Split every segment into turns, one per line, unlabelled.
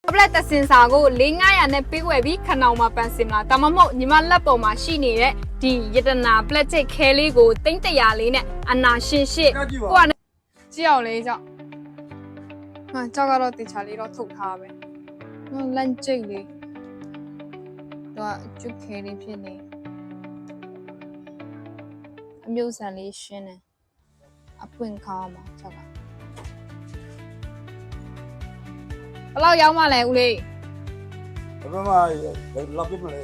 ပလက်တစင်စာကို4900နဲ့ပေးဝယ်ပြီးခဏောင်မှာပန်စင်လာဒါမှမဟုတ်ညီမလက်ပေါ်မှာရှိနေတဲ့ဒီယတနာပလက်တစ်ခဲလေးကို300လေးနဲ့အနာရှင်ရှစ်ကိုကကြည့်အောင်လေးကြောက်ဟာကြောက်ကတော့တေချာလေးတော့ထုတ်ထားပဲလန့်ကျိတ်လေးတော့ကျုပ်ခဲလေးဖြစ်နေအမျိုးဆန်လေးရှင်းနေအပွင့်ခေါင်းမှာကြောက်ကဘယ်လောက်ရောက်မှလဲဦးလေး
ဘယ်မှာလောက်ပြမလဲ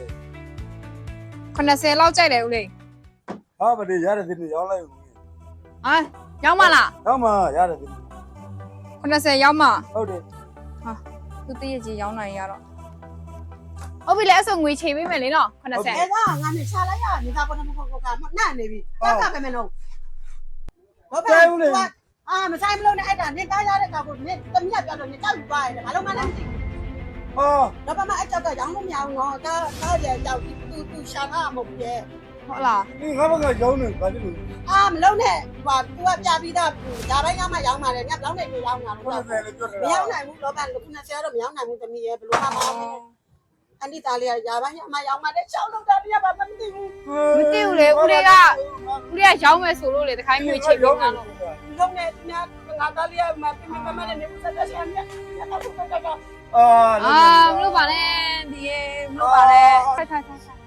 80လောက်ကြိုက်တယ်ဦးလေး
ဟာမတည်ရတယ်ဒီနေ့ရောက်လိုက်ဦး
ဟာရောက်မလား
ရောက်မှရတယ်ဒီ
80ရောက်မှ
ဟုတ်တယ်
ဟာသူတည့်ရကြီးရောက်နိုင်ရတော့ဟုတ်ပြီလေအဲ့ဆိုငွေချိန်ပေးမယ်လေနော်80
အဲ့ဒါငါနဲ့ချလိုက်ရနေတာပေါ်တော့မဟုတ်ဘူးကနှံ့နေပြီတက်တာပဲမလို့ဘာပဲအာမဆိုင်မလို့နဲ့အဲ့ဒါနင်တားရတဲ့ကောင်ကိုနင်တမီးပြောတော့နင်ကြောက်ယူပါရဲ့ဘာလို့မှလည်းမသိဘူး
ဟာ
တော့ဘာမှအဲ့ကြောက်ကရောင်းလို့မရဘူးနော်ကားရကြောက်သူရှာတာမဟုတ်ဘူးရဲ့
ဟုတ်လား
ဒီငါဘကရောင်းနေဘာဖြစ်လို့
အာမလုံးနဲ့ဟိုသူကပြပြီးသားဒါတိုင်းကမှရောင်းပါလေညဘလောက်နဲ့ရောင်းတာလို့
90လည်းပြောတယ်
မရောင်းနိုင်ဘူးလောကလူ90တော့မရောင်းနိုင်ဘူးတမီးရဲ့ဘလို့မှမအောင်အန်ဒီသားလေးကရာပိုင်းအမရောင်းမှလည်းချောင်းလုံးတာပြပါမသိဘူး
မသိဘူးလေဦးလေးကရောင်းမယ်ဆိုလို့လေတခိုင်းငွေချိန်ပေးမှာလို့
လုံးနဲ့ညငါသားလေးကမပြမမနဲ့နေဘူးဆက်ဆက်ဆက်မြတ်တော့တော့
မလို့ပါနဲ့ဒီရေမလို့ပါနဲ့ထိုင်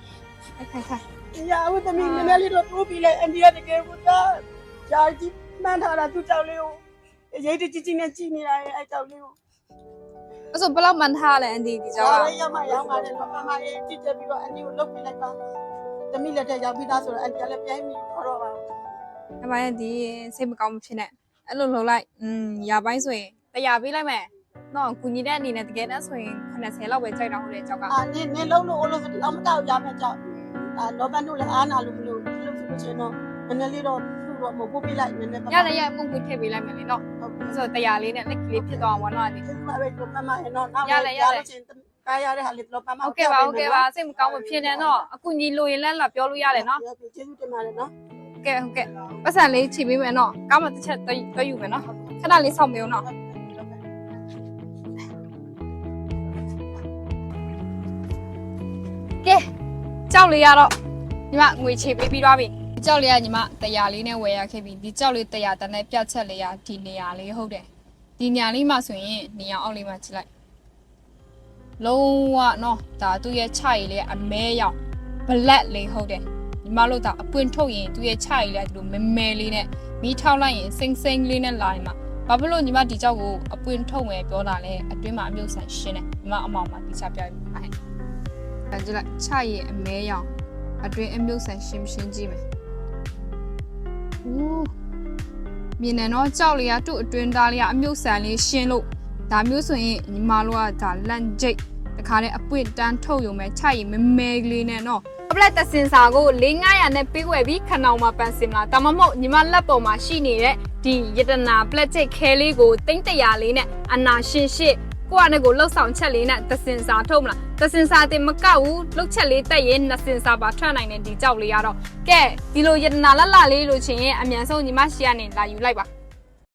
ရာဦးသမီးနည်းနည်းလေးတော့တိုးပြီးလဲအိန္ဒိယတကယ်ကိုသားဂျာကြီးမှန်းထားတာသူ့ကြောက်လေးကိုရိတ်တကြီးနဲ့ကြည်နေတာရဲ့အဲ့ကြောက်လေးကို
အဲ့ဆိုဘယ်လောက်မှန်ထားလဲအန်ဒီဒီကြောက်က
ရမရောင်းပါတယ်တော့အမရဲ့ကြည့်တယ်ပြီးတော့အန်ဒီကိုလုတ်ပြလိုက်ပါသမီးလက်ထက်ရောက်ပြီးသားဆိုတော့အန်ဒီကလည်းပြိုင်းပြီးခေါ်တော့ပါ
အမရဲ့ဒီစိတ်မကောင်းမဖြစ်နဲ့အဲ့လိုလှုပ်လိုက်ရာပိုင်းဆိုရင်100ပေးလိုက်မယ်နော်ကူညီတဲ့အနေနဲ့တကယ်တမ်းဆိုရင်80လောက်ပဲကြိုက်တော့ဟုတ်တယ်ကြောက်က
အာနင်းလုံးလို့လို့ဆိုတော့မတောက်ရမယ်ကြောက်အာလောဘန်တို့လည်းအားနာလို့မလို့ဆိုလို့ချင်းတော့နည်းနည်းလေးတော့သူ့တော့မပို့ပြလိုက်နည်းနည်းပါ
ရတယ်ရပုံကူထည့်ပေးလိုက်မယ်လေနော်အဲ့ဆို100လေးနဲ့လက်ကလေးဖြစ်သွားအောင်ပေါ့နော်ဒီ
ဒီမှာပဲတော့ပမဟဲ့တော့နောက်လို့ချင်းကားရတဲ့ဟာလေးတော့ပမ
ဟုတ်ကဲ့ပါစိတ်မကောင်းမဖြစ်နဲ့နော်အကူညီလိုရင်လည်းလာပြောလို့ရတယ်နော်
ကျေးဇူးတင်ပါတယ်နော်
ဟုတ်ကဲ့ပတ်စံလေးချိန်ပေးမယ်နော်ကားမတစ်ချက်တွဲယူမယ်နော်ခဏလေးစောင့်ပေးဦးနော်ကဲကြောက်လေးရတော့ညီမငွေချေပေးပြီးသွားပြီကြောက်လေးကညီမ100လေးနဲ့ဝယ်ရခဲ့ပြီဒီကြောက်လေး100တန်းနဲ့ပြတ်ချက်လေးရဒီနေရာလေးဟုတ်တယ်ဒီနေရာလေးမှာဆိုရင်နေရာအောက်လေးမှာကြည့်လိုက်လုံးဝနော်ဒါသူ့ရဲ့ခြေရည်လေးအမဲရောင် black လေးဟုတ်တယ်ညီမတို့ကအပွင့်ထုတ်ရင်သူ့ရဲ့ခြေရည်လေးဒီလိုမဲမဲလေးနဲ့မီးထောက်လိုက်ရင်စိမ့်စိမ့်လေးနဲ့လာရင်မှာဘာဖြစ်လို့ညီမဒီကြောက်ကိုအပွင့်ထုတ်မယ်ပြောတာလဲအတွင်းမှာအမြုပ်ဆန်ရှင်းတယ်ညီမအမောင်မှာတိကျပြပြပါဟဲ့ဒါကြည့်လိုက်ခြေရည်အမဲရောင်အတွင်းအမြုပ်ဆန်ရှင်းကြည့်မယ်ဦးမြင်နေတော့ကြောက်လေးကသူ့အတွင်းသားလေးကအမြုပ်ဆန်လေးရှင်းလို့ဒါမျိုးဆိုရင်ညီမတို့ကဒါလန့်ကျိတ်တခါတည်းအပွင့်တန်းထုတ်ရုံပဲခြေရည်မဲမဲလေးနဲ့နော်ပလက်တစင်စာကို4900နဲ့ပေးဝယ်ပြီးခဏောင်မှာပန်စင်လာဒါမှမဟုတ်ညီမလက်ပေါ်မှာရှိနေတဲ့ဒီယတနာပလက်တစ်ခဲလေးကို300လေးနဲ့အနာရှင်ရှစ်ကိုကနဲ့ကိုလှုပ်ဆောင်ချက်လေးနဲ့တစင်စာထုတ်မလားတစင်စာတင်မကောက်ဘူးလှုပ်ချက်လေးတက်ရင်2စင်စာပါထွက်နိုင်တဲ့ဒီကြောက်လေးကတော့ကဲဒီလိုယတနာလတ်လေးလို့ချင်းရင်အမြန်ဆုံးညီမရှိကနေလာယူလိုက်ပါ